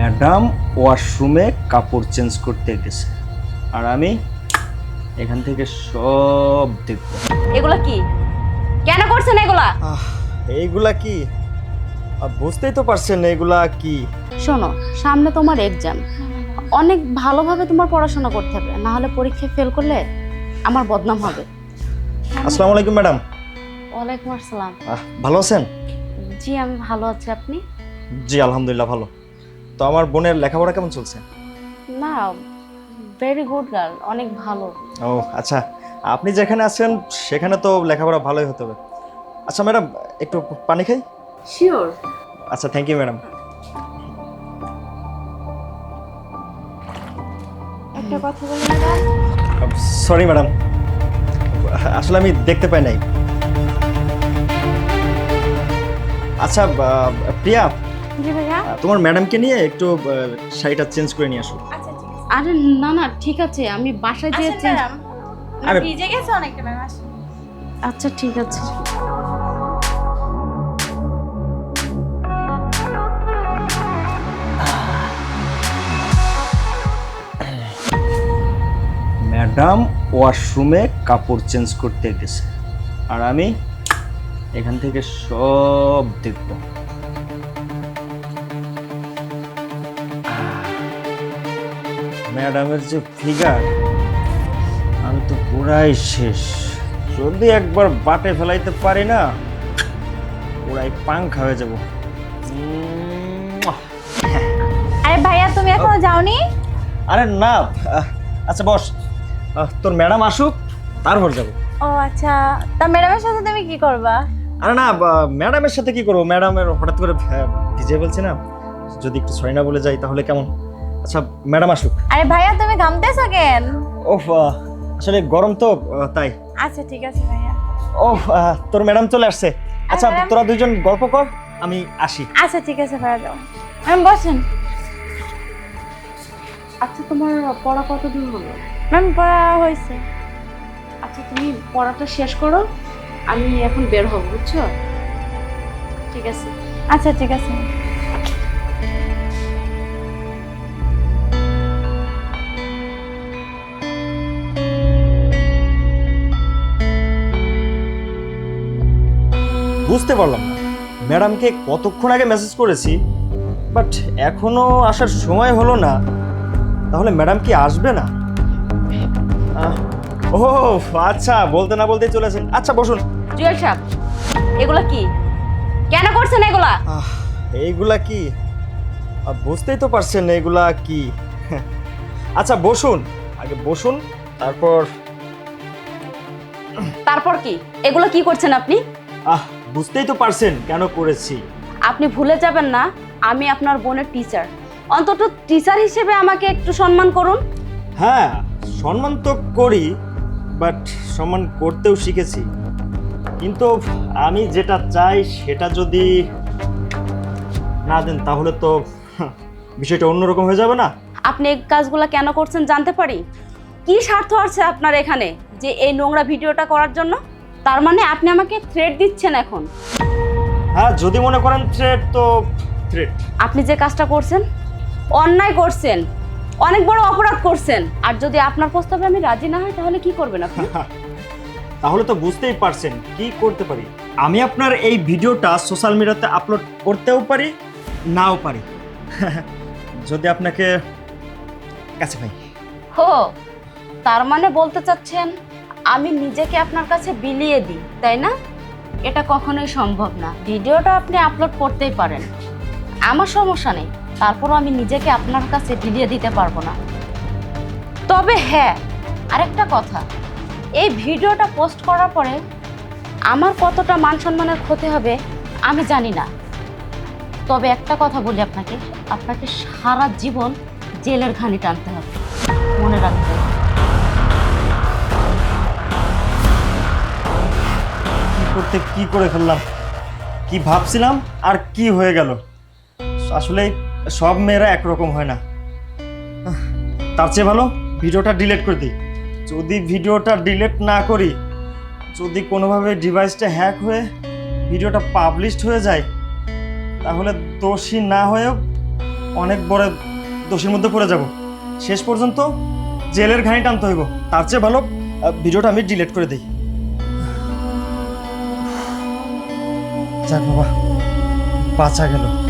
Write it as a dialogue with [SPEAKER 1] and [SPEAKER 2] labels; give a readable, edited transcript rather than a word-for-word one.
[SPEAKER 1] Madam ওয়াশরুমে কাপড় change করতে গেছে আর আমি এখান থেকে সব দেখব।
[SPEAKER 2] এগুলা কি? কেন করছেন এগুলা?
[SPEAKER 1] এইগুলা কি? বুঝতেই তো পারছেন এগুলা কি।
[SPEAKER 2] শোনো, সামনে তোমার এক্সাম, অনেক ভালোভাবে তোমার পড়াশোনা করতে হবে, না হলে পরীক্ষায় ফেল করলে আমার বদনাম হবে।
[SPEAKER 1] আসসালামু আলাইকুম ম্যাডাম।
[SPEAKER 2] ওয়ালাইকুম আসসালাম।
[SPEAKER 1] ভালো আছেন?
[SPEAKER 2] জি আমি ভালো আছি, আপনি?
[SPEAKER 1] জি আলহামদুলিল্লাহ ভালো। তো আমার বোনের লেখাপড়া কেমন চলছে?
[SPEAKER 2] না, ভেরি গুড গার্ল, অনেক ভালো।
[SPEAKER 1] ও আচ্ছা, আপনি যেখানে আছেন সেখানে তো লেখাপড়া ভালোই হতে হবে। আচ্ছা ম্যাডাম, একটু পানি খাই?
[SPEAKER 2] শিওর।
[SPEAKER 1] আচ্ছা থ্যাংক ইউ ম্যাডাম।
[SPEAKER 2] একটা কথা বলি ম্যাডাম।
[SPEAKER 1] সরি ম্যাডাম, আসলে আমি দেখতে পাই নাই। আচ্ছা প্রিয়া,
[SPEAKER 2] জি ভাইয়া।
[SPEAKER 1] তোমার ম্যাডামকে নিয়ে একটু শাড়িটা চেঞ্জ করে নিয়ে আসো।
[SPEAKER 3] আচ্ছা ঠিক আছে।
[SPEAKER 2] আরে না না, ঠিক আছে, আমি বাসায় যেয়ে
[SPEAKER 3] আচ্ছা ম্যাডাম,
[SPEAKER 1] আরে
[SPEAKER 3] ভিজে গেছে অনেকটা ম্যাম, আসুন।
[SPEAKER 2] আচ্ছা ঠিক আছে।
[SPEAKER 1] ম্যাডাম ওয়াশরুমে কাপড় চেঞ্জ করতে গেছে আর আমি এখান থেকে সব দেখব। ম্যাডামের যে ফিগার, আমি তো পুরাই শেষ। যদি একবার বাটে ফেলাইতে পারি না, পুরাই পাংখা হয়ে যাব।
[SPEAKER 3] আরে ভাইয়া, তুমি এখনো যাওনি?
[SPEAKER 1] আরে না, আচ্ছা বস, তোর ম্যাডাম আসুক তারপর যাব।
[SPEAKER 3] ও আচ্ছা, তা ম্যাডামের সাথে তুমি কি করবা?
[SPEAKER 1] আরে না, ম্যাডামের সাথে কি করবো, ম্যাডামের হঠাৎ করে ভিজে বলছি না, যদি একটু সরি না বলে যাই তাহলে কেমন। আচ্ছা ম্যাডাম আসুক।
[SPEAKER 3] আরে ভাইয়া, তুমি ঘামতেছো কেন?
[SPEAKER 1] ওহ আসলে গরম তো তাই।
[SPEAKER 3] আচ্ছা ঠিক আছে ভাইয়া।
[SPEAKER 1] ওহ তোর ম্যাডাম চলে আসছে। আচ্ছা
[SPEAKER 3] ম্যাডাম?
[SPEAKER 1] তোরা দুজন গল্প কর, আমি আসি।
[SPEAKER 3] আচ্ছা ঠিক আছে ভাইয়া, যাও। ম্যাম বসেন।
[SPEAKER 2] আচ্ছা তোমার পড়া কত দূর হলো?
[SPEAKER 3] ম্যাম পড়া হয়েছে।
[SPEAKER 2] আচ্ছা তুমি পড়াটা শেষ করো, আমি এখন বের হব, বুঝছো? ঠিক আছে।
[SPEAKER 3] আচ্ছা ঠিক আছে।
[SPEAKER 1] বুঝতে পারলাম না, ম্যাডামকে কতক্ষণ আগে মেসেজ করেছি, বাট এখনো আসার সময় হলো না। তাহলে ম্যাডাম কি আসবে না? ও আচ্ছা, বলতে না বলতেই চলে আসেন। আচ্ছা বসুন।
[SPEAKER 2] জুয়েল সাহেব, এগুলা কি? কেন করছেন এগুলা?
[SPEAKER 1] এইগুলা কি? বুঝতেই তো পারছেন এগুলা কি। আচ্ছা বসুন, আগে বসুন, তারপর।
[SPEAKER 2] তারপর কি? এগুলো কি করছেন আপনি?
[SPEAKER 1] বুঝতেই তো পারছেন কেন করেছি।
[SPEAKER 2] আপনি ভুলে যাবেন না আমি আপনার বোনের টিচার। অন্তত টিচার হিসেবে আমাকে একটু সম্মান করুন।
[SPEAKER 1] হ্যাঁ সম্মান তো করি, বাট সম্মান করতেও শিখেছি। কিন্তু আমি যেটা চাই সেটা যদি না দেন তাহলে তো বিষয়টা অন্যরকম হয়ে যাবে না।
[SPEAKER 2] আপনি এই কাজগুলো কেন করছেন জানতে পারি? কি স্বার্থ আছে আপনার এখানে যে এই নোংরা ভিডিওটা করার জন্য? তার মানে আপনি আমাকে থ্রেট দিচ্ছেন এখন?
[SPEAKER 1] হ্যাঁ যদি মনে করেন থ্রেট, তো থ্রেট।
[SPEAKER 2] আপনি যে কাজটা করছেন অন্যায় করছেন, অনেক বড় অপরাধ করছেন। আর যদি আপনার প্রস্তাবে আমি রাজি না হই তাহলে কি করবেন আপনি?
[SPEAKER 1] তাহলে তো বুঝতেই পারছেন কি করতে পারি। আমি আপনার এই ভিডিওটা সোশ্যাল মিডিয়াতে আপলোড করতেও পারি, নাও পারি। যদি আপনাকে কাছে পাই।
[SPEAKER 2] হো, তার মানে বলতে চাচ্ছেন আমি নিজেকে আপনার কাছে বিলিয়ে দিই, তাই না? এটা কখনোই সম্ভব না। ভিডিওটা আপনি আপলোড করতেই পারেন, আমার সমস্যা নেই, তারপরও আমি নিজেকে আপনার কাছে বিলিয়ে দিতে পারবো না। তবে হ্যাঁ, আরেকটা কথা, এই ভিডিওটা পোস্ট করার পরে আমার কতটা মান সম্মানের ক্ষতি হবে আমি জানি না। তবে একটা কথা বলি আপনাকে, আপনাকে সারা জীবন জেলের ঘানি টানতে হবে, মনে রাখতে হবে।
[SPEAKER 1] করতে কি করে ফেললাম, কি ভাবছিলাম আর কি হয়ে গেল। আসলে সব মেয়েরা একরকম হয় না। তার চেয়ে ভালো ভিডিওটা ডিলিট করে দিই। যদি ভিডিওটা ডিলিট না করি, যদি কোনোভাবে ডিভাইসটা হ্যাক হয়ে ভিডিওটা পাবলিশড হয়ে যায়, তাহলে দোষী না হয়েও অনেক বড় দোষের মধ্যে পড়ে যাব। শেষ পর্যন্ত জেলের ঘানি টানতে হইব। তার চেয়ে ভালো ভিডিওটা আমি ডিলিট করে দিই। যাক বাবা, বাঁচা গেল।